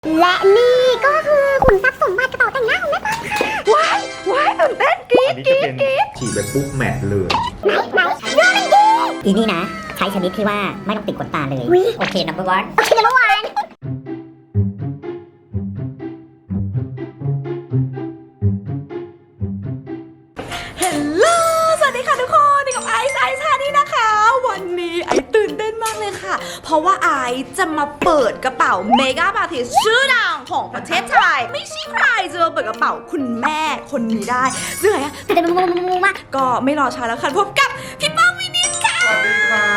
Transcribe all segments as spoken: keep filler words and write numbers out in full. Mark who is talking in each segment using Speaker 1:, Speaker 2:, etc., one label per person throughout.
Speaker 1: และนี่ก็คือขุนทรัพย์สมบัติกระเป๋าแต่งหน้าของแม่ปางค่ะว้ายว้ายตื่นเต้นกรี๊ดกรี๊ดกรี๊ด
Speaker 2: ฉีดไปปุ๊บแมทเลย
Speaker 1: ไหนไหนเรื่องมันดี
Speaker 3: อีนี่นะ ใช้ชนิดที่ว่าไม่ต้องติดขนตาเลย โอเค number one
Speaker 1: โอเคเมื่อวาน
Speaker 4: เฮลโลสวัสดีค่ะทุกคนนี่กับไอซ์ไอซ์ชานี่นะคะวันนี้ไอซ์ตื่นเต้นมากเลยค่ะเพราะว่าไอซ์จะมาเปิดกระเป๋าเมกาอาร์ติสชื่อดังของประเทศไทยไม่ใช่ใครจะมาเปิดกระเป๋าคุณแม่คนนี้ได้ซึ่งไงอะตื่นเต้นมากๆก็ไม่รอช้าแล้วค่ะพบกับพี่ป้องวินิจค่ะ
Speaker 2: สวัสดีครับ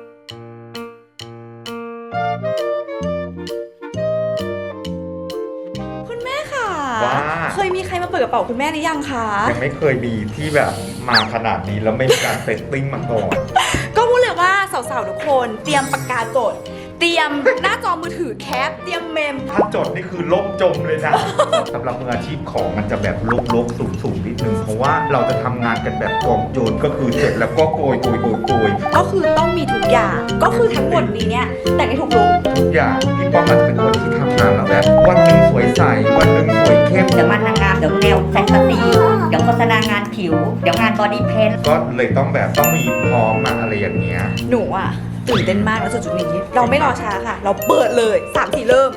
Speaker 4: คุณแม่ค่ะ
Speaker 2: ว่า
Speaker 4: เคยมีใครมาเปิดกระเป๋าคุณแม่หรือยังคะ
Speaker 2: ยังไม่เคยมีที่แบบมาขนาดนี้แล้วไม่มีการเซตติ้งมาก่อน
Speaker 4: ก็พูดเลยว่าสาวๆทุกคนเตรียมปากกาจดเตรียมหน้าจอมือถือแคปเตรียมเมม
Speaker 2: ถ้าจดนี่คือล่มจมเลยนะ สำหรับมืออาชีพของมันจะแบบลกๆสูงๆนิดนึงเพราะว่าเราจะทำงานกันแบบกองโจรก็คือเสร็จแล้วก็โกยโกยโกยโกย
Speaker 4: ก็คือต้องมีทุกอย่างก็คือทั้งหมดนี้เนี่ยแต่งในทุกลุค
Speaker 2: ทุกอย่างพี่ป้อมมันจะเป็นคนที่ทำงานแล้วแบบวันหนึ่งสวยใสวันหนึ่งสวยเข้ม
Speaker 3: เดี๋ยวมันนางงามเดี๋ยวแนวแฟนตาซีเดี๋ยวโฆษณางานผิว เดี๋ยวงานบอดี้เพน
Speaker 2: ก็เลยต้องแบบต้องมีพร้อมมาอะไรอย่างเงี้ย
Speaker 4: หนูอ่ะตื่นเต้นมากแล้วจุดๆนี้เราไม่รอช้าค่ะ เราเปิดเลยสามสี่เริ่ม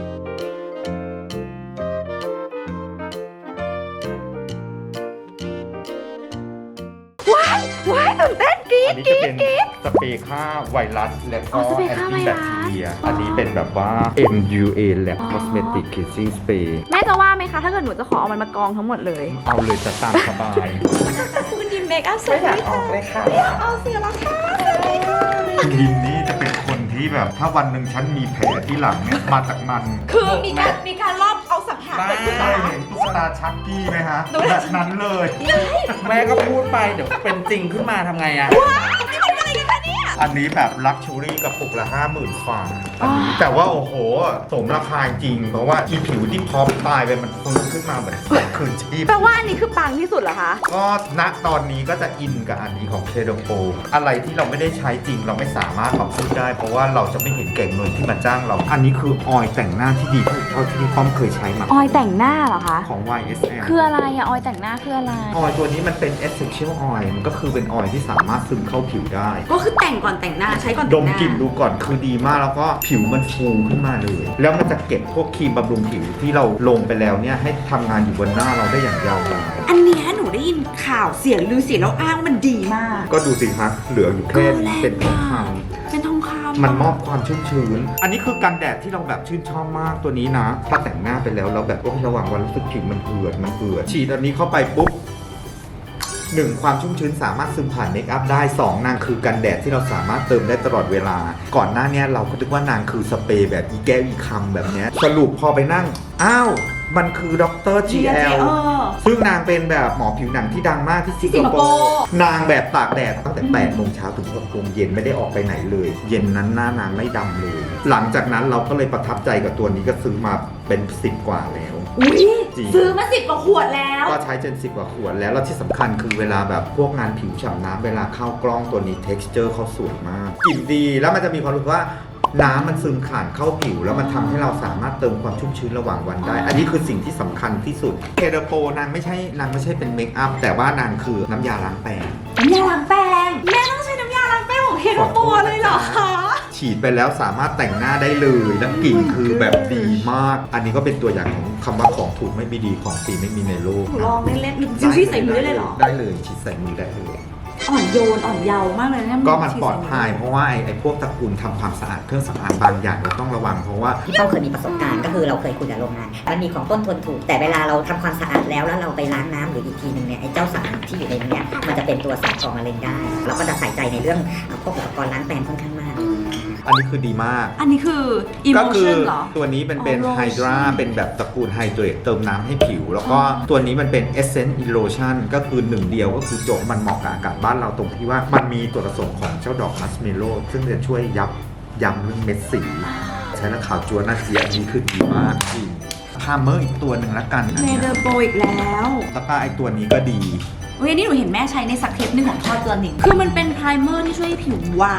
Speaker 4: ว้ายว้ายตื่นเต้นกรี๊
Speaker 2: อั
Speaker 4: ด
Speaker 2: นนี้
Speaker 4: ก
Speaker 2: จะ
Speaker 4: รี๊
Speaker 2: เป็
Speaker 4: ด
Speaker 2: น
Speaker 4: กรี๊ด
Speaker 2: สเปรย์ฆ่าไวรัสและ
Speaker 4: อ๋
Speaker 2: ก็
Speaker 4: อสเปร
Speaker 2: แอ
Speaker 4: ย์
Speaker 2: น
Speaker 4: ฆ่า
Speaker 2: ตี้
Speaker 4: ไวรั
Speaker 2: แบ
Speaker 4: ส
Speaker 2: คทีเรีย
Speaker 4: อ๋ออั
Speaker 2: อันนี้เป็นแบบว่า เอ็ม ยู เอ Lab Cosmetic Cleansing Spray
Speaker 4: แม่จะว่าไหมคะถ้าเกิดหนูจะขอเอามันมากองทั้งหมดเลย
Speaker 2: เอาเลยจะตามสบาย
Speaker 4: คุณยิมเมคอัพสวยค่ะออกเลยค่ะเอาเสียแล้วค่ะสวัสดีค่ะ
Speaker 2: คุณยินนี่จะเป็นคนที่แบบ ถ้าวันหนึ่งฉันมีแผลที่หลังเนี่ยมาจากมัน
Speaker 4: คือมีการมีการรอบเอาสังหารเกิดขึ้น
Speaker 2: ได้
Speaker 4: มา
Speaker 2: เห็นตุ๊กตาชักกี้ไหมฮะ
Speaker 4: ตุ๊กตา
Speaker 2: แบบนั้นเลย
Speaker 5: แม่ก็พูดไปเดี๋ยวเป็นจริงขึ้นมาทำไงอะ
Speaker 4: ว้าวนี่มันอะไรกันคะเนี่ย
Speaker 2: อันนี้แบบลักชูรี่กระปุกละห้าหมื่นฟาอันนี้แต่ว่าโอ้โห สมราคาจริง เพราะว่าอีผิวที่พร้อมตายไปมันฟื้นขึ้นมาเหมือนคืนชีพ
Speaker 4: แปลว่าอันนี้คือปังที่สุดเหรอคะ
Speaker 2: ก็ณตอนนี้ก็จะอินกับอันนี้ของเคโดโปอะไรที่เราไม่ได้ใช้จริงเราไม่สามารถมาพูดได้ เพราะว่าเราจะไม่เห็นแก่เงินที่มาจ้างเรา อันนี้คือออยล์แต่งหน้าที่ดีที่สุดเท่าที่พี่ป้อมเคยใช้มา
Speaker 4: ออยแต่งหน้าเหรอคะ
Speaker 2: ของ วาย เอส แอล
Speaker 4: คืออะไรอะออยแต่งหน้าคืออะไร
Speaker 2: ออยล์ตัวนี้มันเป็น essential oil มันก็คือเป็นออยล์ที่สามารถซึมเข้าผิวได้
Speaker 4: ก็คือแต่งก่อนแต่งหน้าใช้ก่อน
Speaker 2: ด
Speaker 4: แต่ง
Speaker 2: ม
Speaker 4: หน้าก
Speaker 2: ลิ่นดูก่อนคือดีมากแล้วก็ผิวมันฟูขึ้นมาเลย แล้วมันจะเก็บพวกครีมบำรุงผิวที่เราลงไปแล้วเนี่ยให้ทำงานอยู่บนหน้าเราได้อย่างยาวนาน
Speaker 4: อันเนี้ยหนูได้ยินข่าวเสียงลือเสียงแล้วอ้างว่ามันดีมาก
Speaker 2: ก็ดูสิครับเหลืออยู่แค่นี้เป็นทองคำ
Speaker 4: เป็นทองคำ
Speaker 2: มันมอบความชุ่มชื้น อันนี้คือกันแดดที่เราแบบชื่นชอบมากตัวนี้นะ ถ้าแต่งหน้าไปแล้วเราแบบโอ้ระหว่างวันรู้สึกผิวมันเอือดมันเอือดฉีดอันนี้เข้าไปปุ๊บหนึ่งความชุ่มชื้นสามารถซึมผ่านเมคอัพได้สองนางคือกันแดดที่เราสามารถเติมได้ตลอดเวลา ก่อนหน้านี้เราก็นึกว่านางคือสเปรย์แบบอีแก้วอีคำแบบเนี้ยสรุปพอไปนั่งอ้าวมันคือดร จี แอล
Speaker 4: เออ
Speaker 2: ซึ่งนางเป็นแบบหมอผิวหนังที่ดังมากที่สิง
Speaker 4: สิง
Speaker 2: ค
Speaker 4: ค
Speaker 2: โป
Speaker 4: โปร์
Speaker 2: ร์นางแบบตากแดดตั้งแต่แปดโมงเช้าถึงหกโมงเย็นไม่ได้ออกไปไหนเลย เย็นนั้นหน้านางไม่ดำเลย หลังจากนั้นเราก็เลยประทับใจกับตัวนี้ก็ซื้อมาเป็นสิบกว่าแล้ว
Speaker 4: อุ้ย
Speaker 2: จริง
Speaker 4: ซื้อมาสิบกว่าขวดแล้ว
Speaker 2: ก็ใช้จนสิบกว่าขวดแล้วแล้วที่สำคัญคือเวลาแบบพวกงานผิวฉ่ำน้ำเวลาเข้ากล้องตัวนี้ texture เขาสวยมากกลิ่นดีแล้วมันจะมีความรู้สึกว่าน้ำมันซึมผ่านเข้าผิว แล้วมันทำให้เราสามารถเติมความชุ่มชื้นระหว่างวันได้ อันนี้คือสิ่งที่สำคัญที่สุดเคเดโปนางไม่ใช่นางไม่ใช่เป็นเมคอัพแต่ว่านางคือน้ำยาล้างแปรง
Speaker 4: น้ำยาล้างแปรงแม่ต้องใช้น้ำยาล้างแปรงของเฮโรโปเลยเหรอคะ
Speaker 2: ฉีดไปแล้วสามารถแต่งหน้าได้เลยแล้วกลิ่นคือแบบดีมาก อันนี้ก็เป็นตัวอย่างของคำว่าของถูกไม่มีดีของฟรีไม่มีในโลก
Speaker 4: หนูลองเล่นๆหรือจิวชี่ใส่มือได้เลยเหรอ
Speaker 2: ได้เลยฉีดใส่มือได้เลย
Speaker 4: อ่อนโยนอ่อนเยาว์มากเลยเนี่ย
Speaker 2: ก็มันปลอดภัยเพราะว่าไอ้ไอ้พวกตระกูลทำความสะอาดเครื่องสำอางบางอย่างเราต้องระวังเพราะว่า
Speaker 3: พี่ป้องเคยมีประสบการณ์ก็คือเราเคยคุยกับโรงงาน มันมีของต้นทุนถูก แต่เวลาเราทำความสะอาดแล้วแล้วเราไปล้างน้ำหรืออีกทีหนึ่งเนี่ยไอ้เจ้าสารที่อยู่ในนี้มันจะเป็นตัวสารก่อมะเร็งได้ เราก็จะใส่ใจในเรื่องพวกอุปกรณ์ล้างแปรงค่อนข้างมาก
Speaker 2: อันนี้คือดีมาก
Speaker 4: อันนี้คือ
Speaker 2: ก็คื
Speaker 4: emotion เหรอ
Speaker 2: ตัวนี้เป็นเป็น
Speaker 4: อ๋อ
Speaker 2: ไฮดราเป็นแบบตระกูลไฮเดรตเติมน้ำให้ผิว แล้วก็ตัวนี้มันเป็น Essence Elotion ก็คือหนึ่งเดียวก็คือจบมันเหมาะกับอากาศบ้านเราตรงที่ว่ามันมีตัวผสมของเจ้าดอกมัสเมโลซึ่งจะช่วยยับยั้งเรื่องเม็ดสี ใช้แล้วขาวจัวน่าเจียอันนี้คือดีมากจริงพาเมอร์อีกตัวหนึ่งละกันอัน
Speaker 4: เม
Speaker 2: เนี้ย
Speaker 4: เดอร์โปอีกแล้ว
Speaker 2: แล้วก็ไอตัวนี้ก็ดี
Speaker 4: เฮ้ยอันนี่หนูเห็นแม่ใช้ในสักเทปหนึ่งของทอดตัวหนิงคือมันเป็นไพรเมอร์ที่ช่วยให้ผิววาว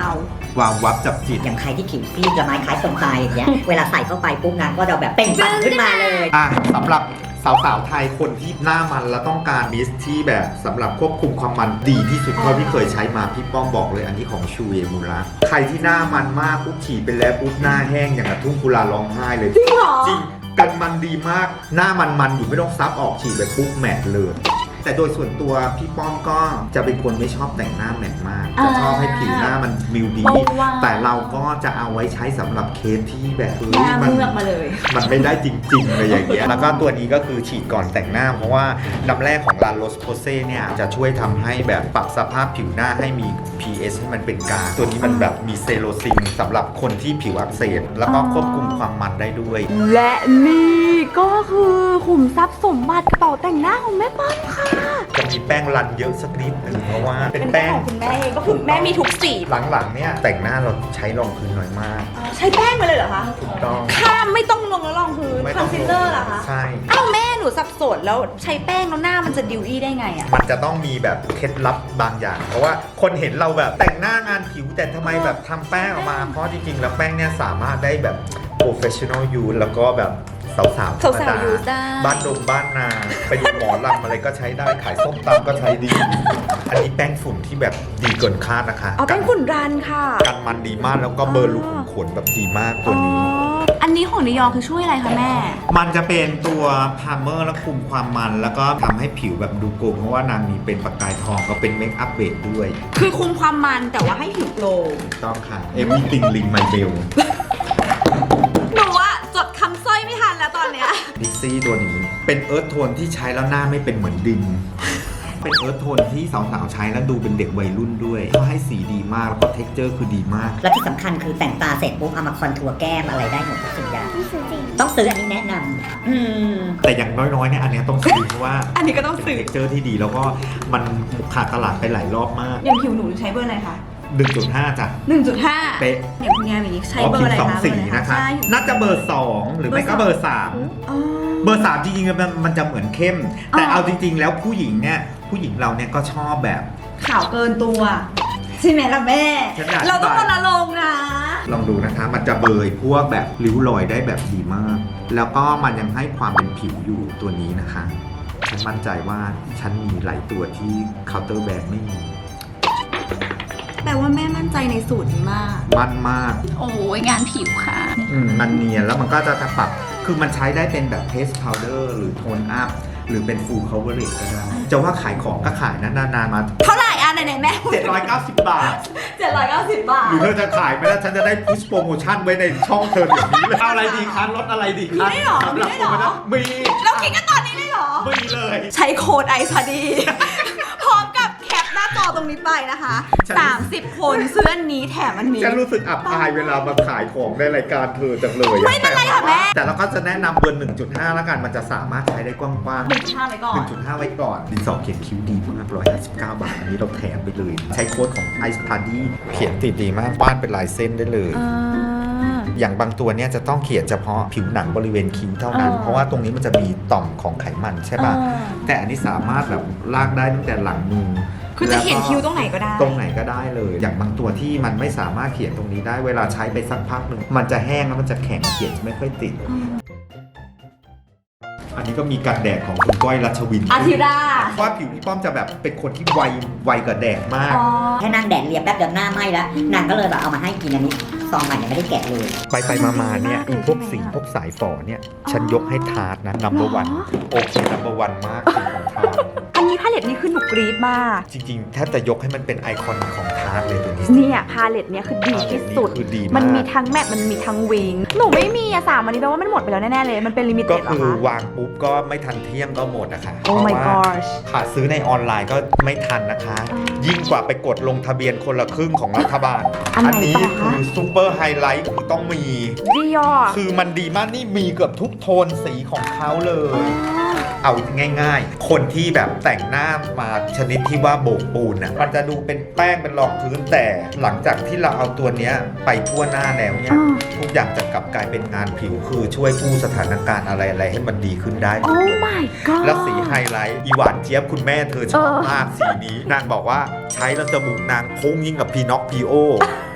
Speaker 2: วาววับจับจิต
Speaker 3: อย่างใครที่ผิวซีดละไม้คล้ายคนตายอย่างเงี้ย เวลาใส่เข้าไปปุ๊บนางก็จะแบบเปล่งปลั่งขึ้นมาเลย
Speaker 2: อ่ะสำหรับสาวๆไทยคนที่หน้ามันแล้วต้องการมิสที่แบบสำหรับควบคุมความมันดีที่สุดเท่าที่เคยใช้มาพี่ป้อมบอกเลยอันนี้ของชูเอมูระใครที่หน้ามันมากปุ๊บฉีดไปแล้วปุ๊บหน้าแห้งอย่างกระทุ่งกุลาร้องไห้เลย
Speaker 4: จริงเหรอ
Speaker 2: จริงกันมันดีมากหน้ามันมันอยู่ไม่ต้องซับออกฉีดไปปุ๊บแมทเลยแต่โดยส่วนตัวพี่ป้อมก็จะเป็นคนไม่ชอบแต่งหน้าแมทมากจะชอบให้ผิวหน้ามันมิวดีแต่เราก็จะเอาไว้ใช้สำหรับเคสที่แบบเฮ้ยมัน
Speaker 4: เลือกมาเลย
Speaker 2: มันไม่ได้จริงๆเลยอย่างเงี้ย แล้วก็ตัวนี้ก็คือฉีดก่อนแต่งหน้า เพราะว่าน้ำแร่ของลาโรสโพเซ่เนี่ยจะช่วยทำให้แบบปรับสภาพผิวหน้าให้มี พี เอช ให้มันเป็นกลางตัวนี้มันแบบมีเซโรซินสำหรับคนที่ผิวอักเสบแล้วก็ควบคุมความมันได้ด้วย
Speaker 4: และนี่ก็คือขุมทรัพย์สมบัติกระเป๋าแต่งหน้าของแม่ป้อมค่ะ
Speaker 2: จะมีแป้งรันเยอะสักนิดนึงเพราะว่าเป็นแป้ง
Speaker 4: ของคุณแม่เองก็คือแม่มีทุกสี
Speaker 2: หลังๆเนี่ยแต่งหน้าเราใช้รองพื้นน้อยมาก
Speaker 4: ใช้แป้งมาเลยเหรอคะ
Speaker 2: ถูกต้อง
Speaker 4: ข้ามไม่ต้องลงแล้วรองพื้น
Speaker 2: ไม่
Speaker 4: ค
Speaker 2: ต้
Speaker 4: อ
Speaker 2: อน ง
Speaker 4: ซีลเลอร์เหรอคะ
Speaker 2: ใช่
Speaker 4: อ้าวแม่หนูสับสนแล้วใช้แป้งแล้วหน้ามันจะดิวอี้ได้ไงอะ
Speaker 2: มันจะต้องมีแบบเคล็ดลับบางอย่าง เพราะว่าคนเห็นเราแบบแต่งหน้างานผิวแต่ทำไมแบบทำแป้งออกมา เพราะจริงๆแล้วแป้งเนี่ยสามารถได้แบบ professional use แล้วก็แบบสาวๆธรรม
Speaker 4: สาว
Speaker 2: ดา
Speaker 4: ๆ use ได้
Speaker 2: บ้านดงบ้านนาไปดูหมอลำอะไรก็ใช้ได้ขายส้มตำก็ใช้ดี อันนี้แป้งฝุ่นที่แบบดีเกินคาดนะคะ
Speaker 4: อ๋อแป้งฝุ่นรันค่ะ
Speaker 2: กันมันดีมากแล้วก็เบอร์ลูขุมขนแบบดีมากตัวนี้
Speaker 4: อ๋ออันนี้ของนิยองคือช่วยอะไรคะแม่
Speaker 2: มันจะเป็นตัวพาร์เมอร์และคุมความมันแล้วก็ทำให้ผิวแบบดูโกลว์เพราะว่านางมีเป็นประกายทองก็เป็นเมคอัพเบสด้วย
Speaker 4: คือคุมความมันแต่ว่าให้ผิวโกลว์
Speaker 2: ต้องค่ะ everything ring my bell
Speaker 4: หนูอะจดคำสร้อยไม่ทันแล้วตอนเนี้ย
Speaker 2: ดิซซี่ตัวนี้เป็นเอิร์ธโทนที่ใช้แล้วหน้าไม่เป็นเหมือนดิน เป็นเอิร์ธโทนที่สาวๆใช้แล้วดูเป็นเด็กวัยรุ่นด้วยเขาให้สีดีมากแล้วก็เท็กเจอร์คือดีมาก
Speaker 3: และที่สำคัญคือแต่งตาเสร็จปุ๊บเอามาคอนทัวร์แก้มอะไรได้หมดทุกสิ่งอย่าง
Speaker 1: ต้องซื้อจริง
Speaker 3: ต้องซื้ออันนี้แนะนำอืม
Speaker 2: แต่อย่างน้อยๆเนี่ยอันเนี้ยต้องซื้อเพราะว่า
Speaker 4: อันนี้ก็ต้องซื้อ
Speaker 2: เท็กเจอร์ที่ดีแล้วก็มันขาดตลาดไปหลายรอบมาก
Speaker 4: อย่างผิวหนูใช้เบอร์อะไรคะ
Speaker 2: หนึ่งจุดห้า จ้ะ
Speaker 4: หนึ่งจุดห้า
Speaker 2: เป๊ะ
Speaker 4: อย่างคุณยายมีใช้เบอร์อะไร
Speaker 2: สอง
Speaker 4: คะ
Speaker 2: สีนะคะ
Speaker 4: ใช่
Speaker 2: น่าจะเบอร์สองหรือไม่ก็เบอร์สาม
Speaker 4: อ๋อ
Speaker 2: เบอร์สามจริงๆมันมันจะเหมือนเข้ม แต่
Speaker 4: อ๋อ
Speaker 2: เอาจริง ๆ แล้วผู้หญิงเนี่ยผู้หญิงเราเนี่ยก็ชอบแบบ
Speaker 4: ขาวเกินตัวใช่ไหมล่ะแม่
Speaker 2: ฉันอยาก
Speaker 4: เราต้องรณรงค์นะ
Speaker 2: ลองดูนะคะ มันจะเบยพวกแบบริ้วรอยได้แบบดีมาก แล้วก็มันยังให้ความเป็นผิวอยู่ตัวนี้นะคะ ฉันมั่นใจว่าฉันมีหลายตัวที่เคาน์เตอร์แบรนด์ไม่มี
Speaker 4: แต่ว่าแม่มั่นใจในสูตรนี้มาก
Speaker 2: มั่นมาก
Speaker 4: โอ้ยงานผิวค่ะ
Speaker 2: อืมมันเนียนแล้วมันก็จะปรับ คือมันใช้ได้เป็นแบบเพสพาวเดอร์หรือโทนอัพหรือเป็นฟูล coverage ก็ได้จะว่าขายของก็ขายนะนานๆมา
Speaker 4: เท่าไหร่อ่ะไหนๆแม่
Speaker 2: เจ็ดร้อยเก้าสิบบาท
Speaker 4: เจ็ดร้อยเก้าสิบบาท
Speaker 2: หรือเธอจะขายไหมล่ะฉันจะได้พุชโปรโมชั่นไว้ในช่องเธออย่างนี้เลยเอาอะไรดีคะลดอะไรดีคะ
Speaker 4: มีได้หรอ
Speaker 2: สำหรับ
Speaker 4: มีได้หรอ
Speaker 2: โปโมชั่นมี
Speaker 4: เราคิดกันตอนนี้เลยเหรอ
Speaker 2: มีเลย
Speaker 4: ใช้โค้ดไอซ์พอดี พร้อมกับแคปหน้าจอตรงนี้ไปนะคะ
Speaker 2: ฉัน
Speaker 4: สามสิบคนซื้ออันนี้แถมอันนี้
Speaker 2: ฉันรู้สึกอับอายเวลามาขายของในรายการเธอจังเลยอะ
Speaker 4: ไม่เป็นไรค่ะแม่
Speaker 2: แต่เราก็จะแนะนำเบอร์ หนึ่งจุดห้า แล้วกันมันจะสามารถใช้ได้กว้างๆ
Speaker 4: หนึ่งห้าไว้ก่อน
Speaker 2: หนึ่งจุดห้า ไว้ก่อน ดินสอเขียนคิ้วดีมากหนึ่งร้อยห้าสิบเก้า บาท อันนี้เราแถมไปเลย ใช้โค้ดของ Ice Party เขียนติดดีมากวาดเป็นลายเส้นได้เลย
Speaker 4: อ่า
Speaker 2: อย่างบางตัวเนี่ยจะต้องเขียนเฉพาะผิวหนังบริเวณคิ้วเท่านั้น
Speaker 4: อ๋อ
Speaker 2: เพราะว่าตรงนี้มันจะมีต่อมของไขมันใช่ป่ะ
Speaker 4: อ่า
Speaker 2: แต่อันนี้สามารถแบบลากได้ตั้งแต่หลังมือ
Speaker 4: คือจะเขียนคิ้วตรงไหนก็ได้
Speaker 2: ตรงไหนก็ได้เลย อย่างบางตัวที่มันไม่สามารถเขียนตรงนี้ได้เวลาใช้ไปสักพักหนึ่งมันจะแห้งแล้วมันจะแข็งเขียนไม่ค่อยติด
Speaker 4: อืม
Speaker 2: อันนี้ก็มีกันแดดของคุณก้อยรัชวิน
Speaker 4: อาทิรา
Speaker 2: ว่าผิวพี่ป้อมจะแบบเป็นคนที่ไวไวกับแดดมาก
Speaker 4: อ๋อ
Speaker 3: แค่นั่งแดดเรียบแป๊บเดียวหน้าไหม้แล้วนางก็เลยแบบเอามาให้กินอันนี้ซองใหม่ยังไม่ได้แกะเลย
Speaker 2: ไปไปมามาเนี่ย
Speaker 4: ดีมากเลย
Speaker 2: พวกสี
Speaker 4: ใช่ไหมอะ
Speaker 2: พวกสายฝอเนี่ย ฉันยกให้ทาร์ตนะ number one
Speaker 4: หรอ
Speaker 2: โอเค number one มากสีของทาร์ต
Speaker 4: อันนี้พาเลตนี้คือหนูกรี๊ดมาก
Speaker 2: จริงๆ แทบจะยกให้มันเป็นไอคอนของทาร์ตเลยตัวนี้
Speaker 4: เนี่ยพาเลตเนี่ยคือดีที่สุด
Speaker 2: คือดี
Speaker 4: มัน
Speaker 2: มาก
Speaker 4: มีทั้งแมทมันมีทั้งวิง หนูไม่มีอะสามอันนี้แปลว่ามันหมดไปแล้วแน่ๆเลย มันเป็นลิมิ
Speaker 2: ก็
Speaker 4: เต็ดเหรอ
Speaker 2: คือ
Speaker 4: คะ
Speaker 2: วางปุ๊บก็ไม่ทันเที่ยงก็หมดนะคะ
Speaker 4: Oh
Speaker 2: เพ
Speaker 4: my
Speaker 2: ราะว่า
Speaker 4: gosh
Speaker 2: ขาดซื้อในออนไลน์ก็ไม่ทันนะคะ
Speaker 4: อ๋อ
Speaker 2: ยิ่งกว่าไปกดลงทะเบียนคนละครึ่งของรัฐบาล
Speaker 4: อันไหน
Speaker 2: นี้
Speaker 4: ต่อคะ
Speaker 2: คือซูเปอร์ไฮไลท์คือต้องมี
Speaker 4: ดิออ
Speaker 2: คือมันดีมากนี่มีเกือบทุกโทนสีของเขาเลย เอาง่ายๆ คนที่แบบแต่งหน้ามาชนิดที่ว่าโบกปูนอ่ะ มันจะดูเป็นแป้งเป็นรองพื้นแต่หลังจากที่เราเอาตัวเนี้ยไปทั่วหน้าแล้วเนี่ย
Speaker 4: อ่า
Speaker 2: ทุกอย่างจะกลับกลายเป็นงานผิวคือช่วยกู้สถานการณ์อะไรๆให้มันดีขึ้นได้
Speaker 4: โอ้ my god
Speaker 2: แล้วสีไฮไลท์อีหวานเจี๊ยบคุณแม่เธอชอบ
Speaker 4: เออ
Speaker 2: มากสีนี้ นางบอกว่าใช้แล้วจมูกนางพุ่งยิ่งกับพีน็อกพีโอ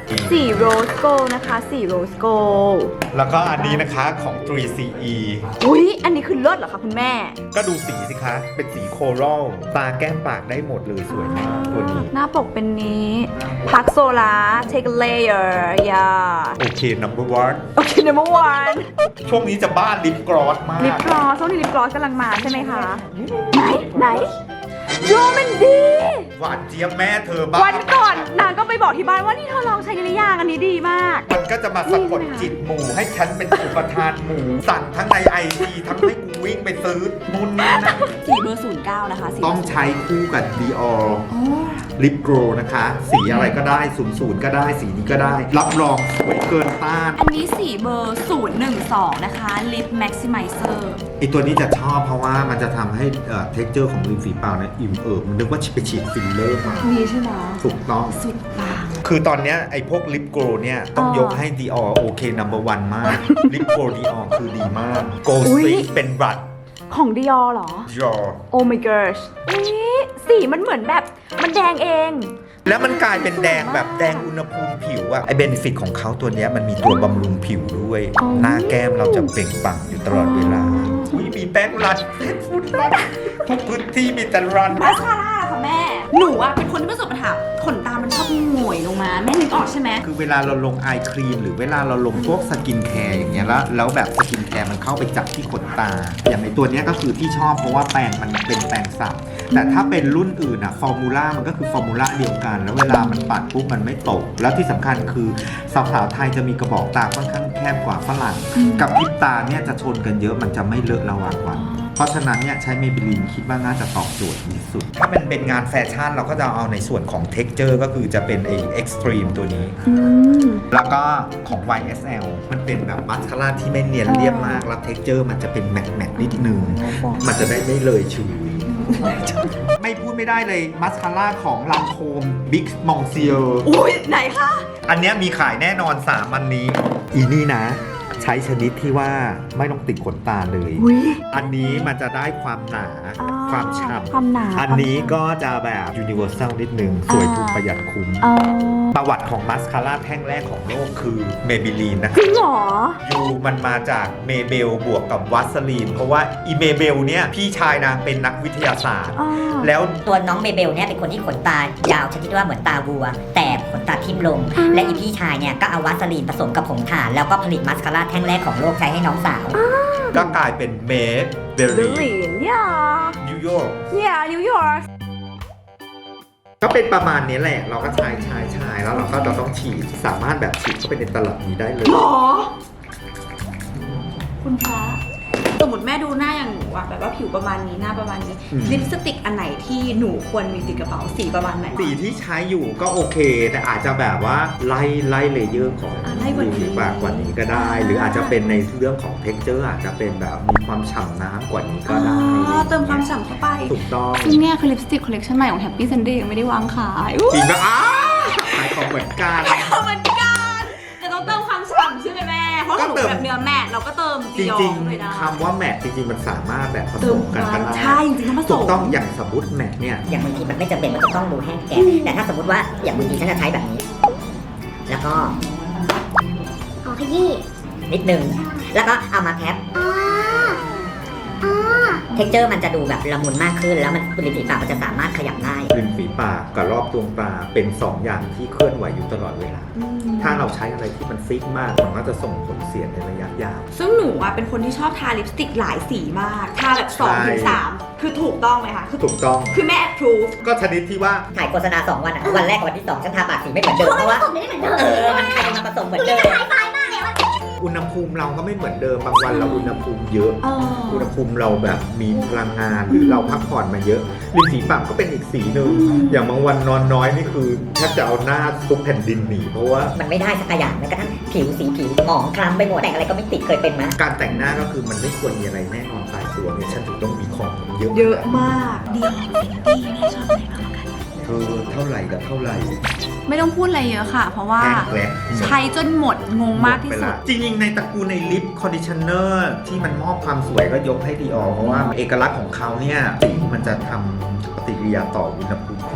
Speaker 4: สีโรสโกนะคะสีโรสโก
Speaker 2: แล้วก็อันนี้นะคะของ ทรี ซี อี
Speaker 4: อุ๊ย อันนี้คือเลิศเหรอคะคุณแม่
Speaker 2: ก็ดูสีสิคะ เป็นสีโครัลตาแก้มปากได้หมดเลยสวยมากตัวนี้
Speaker 4: หน้าปกเป็นนี้พักโซลา take a layer อย่า
Speaker 2: โอเค number one
Speaker 4: โอเค number one
Speaker 2: ช่วงนี้จะบ้านลิปกรอสมาก
Speaker 4: ลิปกลอสช่วงนี้ลิปกลอสกำลังมาใช่ไหมคะ ไหน ไหนโยมันดี
Speaker 2: หวานเจี๊ยบแม่เธอบ้า
Speaker 4: วันก่อนนางก็ไปบอกที่บ้านว่านี่เธอลองใช้หรือยังอันนี้ดีมาก
Speaker 2: มันก็จะมาสะกดจิตหมู่ให้ฉันเป็นอุปทานหมู่สั่งทั้งในไอจีทั้งให้กูวิ่งไปซื้อนู่นนี่นั่น
Speaker 4: สีเบอร์ศูนย์เก้านะคะสี
Speaker 2: ต้องใช้คู่กับ Dior ลิปโกรนะคะ สีอะไรก็ได้ศูนย์ศูนย์ก็ได้สีนี้ก็ได้ รับรองสวยเกินต้าน
Speaker 4: อันนี้สีเบอร์ศูนย์หนึ่งสองนะคะ lip maximizer
Speaker 2: ไอตัวนี้จะชอบเพราะว่ามันจะทำให้เอ่อ texture ของริมฝีปากเนี่ยอิ่มเอิบมันนึกว่าไปฉีดฟิลเลอร์มา
Speaker 4: มีใช่ไหม
Speaker 2: ถูกต้อง
Speaker 4: สุดปัง
Speaker 2: คือตอนเนี้ยไอ้พวกลิปโกลเนี่ย ต้อง
Speaker 4: อ๋อย
Speaker 2: กให้ Dior โอเค number one มาก ลิปโกล Dior คือดีมาก Gold
Speaker 4: อุ๊ย
Speaker 2: Streak เป็นบัตร
Speaker 4: ของ Dior เหรอ
Speaker 2: Dior
Speaker 4: Oh my gosh อุ๊ยสีมันเหมือนแบบมันแดงเอง
Speaker 2: แล้วมันกลายเป็นแดงแบบแดงอุณหภูมิผิวอะไอเบนฟิตของเขาตัวเนี้ยมันมีตัวบำรุงผิวด้วย
Speaker 4: อ๋อ
Speaker 2: หน้าแก้มเราจะเปล่งปลั่งอยู่ตลอดเวลาอุ้ยมีแป้งรันแป้งฝุ่นรันทุกพื้นที่มีแต่รัน
Speaker 4: มาสคาร่าค่ะแม่ หนูอะเป็นคนที่ประสบปัญหาขนตามันชอบหงวยลงมา แม่นึกออกใช่ไหม
Speaker 2: คือเวลาเราลงไอครีมหรือเวลาเราลงพวกสกินแคร์อย่างเงี้ยแล้วแล้วแบบสกินแคร์มันเข้าไปจับที่ขนตา อย่างในตัวเนี้ยก็คือที่ชอบเพราะว่าแปรงมันเป็นแปรงสับแต่ถ้าเป็นรุ่นอื่นอะฟอร์มูล่ามันก็คือฟอร์มูล่าเดียวกัน แล้วเวลามันปัดปุ๊บมันไม่ตก แล้วที่สำคัญคือสาวๆไทยจะมีกระบอกตาค่อนข้างแคบกว่าฝรั่ง กับพริบตาเนี่ยจะชนกันเยอะมันจะไม่เลอะระหว่างวัน เพราะฉะนั้นเนี่ยใช้เมเบลินคิดว่าน่าจะตอบโจทย์ดีสุด ถ้ามันเป็นงานแฟชั่นเราก็จะเอาในส่วนของ texture ก็คือจะเป็นไอ้ extreme ตัวนี้
Speaker 4: อืม
Speaker 2: แล้วก็ของ วาย เอส แอล มันเป็นแบบมัสคาร่าที่ไม่เนียนเรียบมาก แล้ว texture มันจะเป็นแมตต์แมตต์นิดนึง มันจะได้ไม่เลยชุย ไม่พูดไม่ได้เลยมัสคาร่าของลังโคม Big Monsieur
Speaker 4: อุ้ยไหนคะ
Speaker 2: อันเนี้ยมีขายแน่นอนสามอันนี้ อีนี่นะ ใช้ชนิดที่ว่าไม่ต้องติดขนตาเลย
Speaker 4: อุ้ย
Speaker 2: อันนี้มันจะได้ความหนา
Speaker 4: อ่า
Speaker 2: ความฉ่
Speaker 4: ความหนา
Speaker 2: ำอันนี้ก็จะแบบ universal นิดนึง สวยถูกประหยัดคุ้ม
Speaker 4: เออ
Speaker 2: ประวัติของมัสคาร่าแท่งแรกของโลกคือเมบิลีนนะ
Speaker 4: จริงเหรอ
Speaker 2: ยูมันมาจากเมเบลบวกกับวัสลีน เพราะว่าอีเมเบลเนี่ย พี่ชายนางเป็นนักวิทยาศาสตร์
Speaker 4: อ่า
Speaker 2: แล้ว
Speaker 3: ตัวน้องเมเบลเนี่ยเป็นคนที่ขนตายาวชนิดว่าเหมือนตาวัว แต่ขนตาทิ่มลง และอีพี่ชายเนี่ยก็เอาวาสลีนผสมกับผงถ่าน แล้วก็ผลิตมัสคาร่าแท่งแรกของโลกใช้ให้น้องสาว
Speaker 2: ก็กลายเป็นเมเบ
Speaker 4: เบล
Speaker 2: ลี
Speaker 4: ลินย่า
Speaker 2: นิวยอร์ก
Speaker 4: ย่านิวยอร์ก
Speaker 2: ก็เป็นประมาณนี้แหละ เราก็ชายชายชายแล้วเราก็เราต้องฉีดสามารถแบบฉีดเข้าไปในตลับนี้ได้เลย
Speaker 4: หรอ คุณพระสมมติแม่ดูหน้าอย่างหนูอะแบบว่าผิวประมาณนี้หน้าประมาณนี้
Speaker 2: อืม
Speaker 4: ลิปสติกอันไหนที่หนูควรมีติดกระเป๋าสีประมาณไหน
Speaker 2: สีที่ใช้อยู่ก็โอเค แต่อาจจะแบบว่าไล่ไล่เลเยอร์ของ
Speaker 4: อ่าไล่กว่านี้
Speaker 2: ริมฝีปากกว่านี้ก็ได้ หรืออาจจะเป็นในเรื่องของ texture อาจจะเป็นแบบมีความฉ่ำน้ำกว่านี้ก็ได้
Speaker 4: อ๋อเติมความฉ่ำเข้าไป
Speaker 2: ถูกต้อง
Speaker 4: ซึ่งเนี่ยคือลิปสติกคอลเลคชันใหม่ของ Happy Sunday ยังไม่ได้วางขายอุ๊ย
Speaker 2: จริงปะอ้าขายของเหมือนกัน
Speaker 4: เหมือนกันแต่ต้องเติมความฉ่ำใช่ไหมแม่ เพราะ
Speaker 2: ก็
Speaker 4: หนู
Speaker 2: เติม
Speaker 4: แบบเนื้อแมทเราก็เติม
Speaker 2: จ
Speaker 4: จียอ
Speaker 2: ริง
Speaker 4: เลยได้
Speaker 2: ๆคำว่าแมทจริงๆ มันสามารถแบบผ
Speaker 4: เติ
Speaker 2: ส
Speaker 4: ม
Speaker 2: มกันก็ได้
Speaker 4: ใช่จริงๆต้องผส
Speaker 2: ถู
Speaker 4: ม
Speaker 2: กต้องอย่างสมมติแมทเนี่ย
Speaker 3: อย่างบางทีมันไม่จำเป็นมันจะต้องดูแห้งแก่แต่ถ้าสมมติว่าอย่างบางทีฉันจะใช้แบบนี้ แล้วก็
Speaker 1: อ๋อขยี้
Speaker 3: นิดนึง แล้วก็เอามาแทบ
Speaker 1: อ๋ออ๋อ
Speaker 3: เท็กเจอร์มันจะดูแบบละมุนมากขึ้น แล้วมันริมฝีปากมันจะสามารถขยับได้
Speaker 2: ริมฝีปากกับรอบดวงตาเป็นสองอย่างที่เคลื่อนไหวอยู่ตลอดเวลา
Speaker 4: อืม
Speaker 2: ถ้าเราใช้อะไรที่มันฟิกมาก มันก็จะส่งผลเสียในระยะยาว
Speaker 4: ซึ่งหนูอ่ะเป็นคนที่ชอบทาลิปสติกหลายสีมาก ทาแบบสองถึงสามคือถูกต้องไหมคะ คือ
Speaker 2: ถูกต้อง
Speaker 4: คือแม่ approve
Speaker 2: ก็ชนิดที่ว่า
Speaker 3: ถ่ายโฆษณาสองวันอ่ะ วันแรกกับวันที่สองฉันทาปากสีไม่เหมือนเดิม เพราะว่า
Speaker 1: ผมไม่ได้เหมือนเดิม
Speaker 3: เออ มันใครจะมาผสมเหมือนเดิม
Speaker 1: ไฮไฟมากเลยว่า
Speaker 2: อุณหภูมิเราก็ไม่เหมือนเดิม บางวันเราอุณหภูมิเยอะ
Speaker 4: เออ
Speaker 2: อุณหภูมิเราแบบมีพลังงานหรือเราพักผ่อนมาเยอะริมฝีปากก็เป็นอีกสีหนึ่งอย่างบางวันนอนน้อยนี่คือแทบจะเอาหน้าซุกแผ่นดินหนีเพราะว่า
Speaker 3: มันไม่ได้สักอย่างแม้กระทั่งผิวสีผิวหมองคล้ำไปหมดแต่งอะไรก็ไม่ติดเคยเป็นไหม
Speaker 2: การแต่งหน้าก็คือมันไม่ควรมีอะไรแน่นอนตายตัวเนี่ยฉันถึงต้องมีของเยอะ
Speaker 4: เยอะมากเดียวฟินตี้แม่ชอบอะไรมากกว่ากัน
Speaker 2: เธอเท่าไหร่กับเท่าไหร่
Speaker 4: ไม่ต้องพูดอะไรเยอะค่ะ เพราะว่า
Speaker 2: แห้งแกลบ
Speaker 4: ใช้จนหมดงงมากที่สุด
Speaker 2: จริงๆในตระกูลในลิปคอนดิชเนอร์ที่มันมอบความสวยก็ยกให้ดีออเพราะว่าเอกลักษณ์ของเขาเนี่ยสีมันจะทำปฏิกิริยาต่ออุณหภูมิของ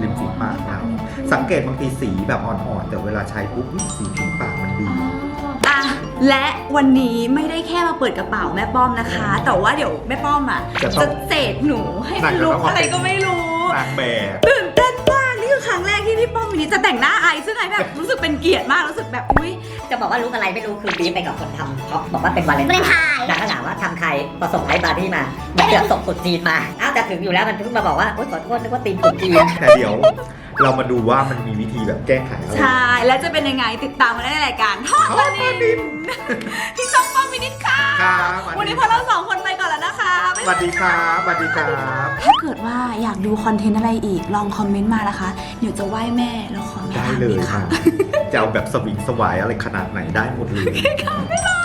Speaker 2: ริมฝีปากเราสังเกตบางทีสีแบบอ่อนๆแต่เวลาใช้ปุ๊บอุ๊ยสีผิวปากมันดี
Speaker 4: อ่ะและวันนี้ไม่ได้แค่มาเปิดกระเป๋าแม่ป้อมนะคะ แต่ว่าเดี๋ยวแม่ป้อมอ่ะ
Speaker 2: จะต้อง
Speaker 4: จะเสกหนูให้มันลุกอะไรก็ไม่รู้
Speaker 2: นางแบบ
Speaker 4: ตื่นเต้นมากนี่คือครั้งแรกที่พี่ป้อมวันนี้จะแต่งหน้าไอซ์ซึ่งไอซ์แบบรู้สึกเป็นเกียรติมากรู้สึกแบบอุ้ย
Speaker 3: จะบอกว่ารู้อะไรไม่รู้คือบีบไปกับคนทำเพราะบอกว่าเป็นวาเลน
Speaker 1: วาเลน
Speaker 3: ไท
Speaker 1: ไท
Speaker 3: น์
Speaker 1: น์
Speaker 3: นางก็ถามว่าทำใครพอส่งไอ้บาร์บี้มามันเกือบส่งตุ๊ดจีนมาอ้าวแต่ถึงอยู่แล้วมันเพิ่งมาบอกว่าโอ๊ยขอโทษนึกว่าตีมตุ๊ดจีน
Speaker 2: แต่เดี๋ยวเรามาดูว่ามันมีวิธีแบบแก้ไขอะไร
Speaker 4: ใช่แล้วจะเป็นยังไงติดตามกันได้ในรายการทอดละนินพี่ช่องป้อมมินิทค่ะ
Speaker 2: ครับ
Speaker 4: วันนี้พวกเราสองคนไปก่อนแล้วนะคะบ๊าย
Speaker 2: ส
Speaker 4: บาย
Speaker 2: วัสดีครับสวัสดีครับ
Speaker 4: ถ้าเกิดว่าอยากดูคอนเทนต์อะไรอีกลองคอมเมนต์มานะคะเดี๋ยวจะไหว้แม่แล้วขอแม่
Speaker 2: ได้
Speaker 4: ทำ
Speaker 2: เล
Speaker 4: อี
Speaker 2: ย
Speaker 4: ก
Speaker 2: ค่ะ
Speaker 4: ค่ะ
Speaker 2: จะเอาแบบสวิงสวายอะไรขนาดไหนได้หมดเลย
Speaker 4: บ๊ายบาย